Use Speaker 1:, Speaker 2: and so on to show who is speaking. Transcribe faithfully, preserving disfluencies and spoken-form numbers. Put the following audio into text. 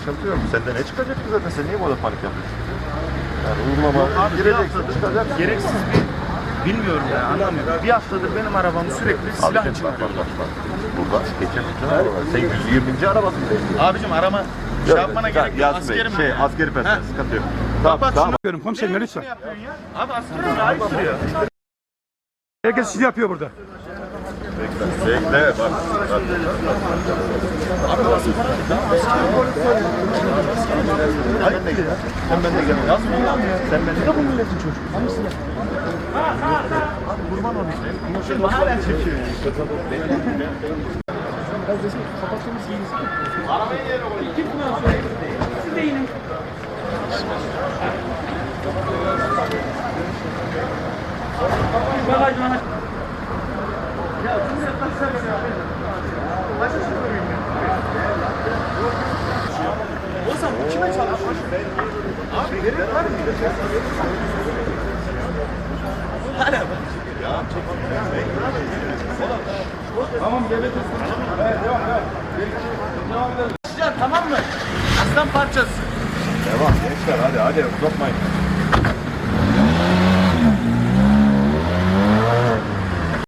Speaker 1: sıkıntı yok. Sende ne çıkacak ki zaten? Sen niye bu kadar panik yapıyorsun? Yani uygulama gireceksin, çıkacak.
Speaker 2: Gereksiz bir bilmiyorum ya, anlamıyorum. Bir haftadır benim arabam sürekli silah
Speaker 1: Abicim
Speaker 2: için
Speaker 1: bak bak
Speaker 2: arıyor.
Speaker 1: bak. bak. Burada geçen bütün arabalar. Sen yüz yirminci arabasın değil.
Speaker 2: Abicim arama şey yapmana gerek yok.
Speaker 1: Yasin Bey,
Speaker 2: Askerim.
Speaker 1: şey askeri personel sıkıntı yok. Tamam
Speaker 2: Kapat
Speaker 1: tamam.
Speaker 2: şunu.
Speaker 3: Komiserim
Speaker 2: Ne
Speaker 3: lütfen.
Speaker 2: yapıyorsun ya? Abi askerim layık duruyor.
Speaker 3: Herkes sizi yapıyor burada.
Speaker 1: Bekle bak. Hayır ne gel? Sen bende gel. Yazma ya. Sen bende de bu milletin çocuğu. Hamısın ya. Abi kurban olayım. Ama şey hala çekiyor yani. Kardeşim kapattığımız iyiyiz. Arabayı yerine koyun. Kim bunu alıyor? Siz de inin.
Speaker 3: Bagaj bagaj.
Speaker 2: Ya bunu yapmazsan ben yapayım. Başka şey koyayım ya. O zaman bu kime çalar? Abi gerek var mı? Hala bak.
Speaker 3: Tamam devlet. Evet devam devam. Devam edelim.
Speaker 2: Ya tamam mı? Aslan parçası.
Speaker 1: Devam gençler hadi hadi uzatmayın.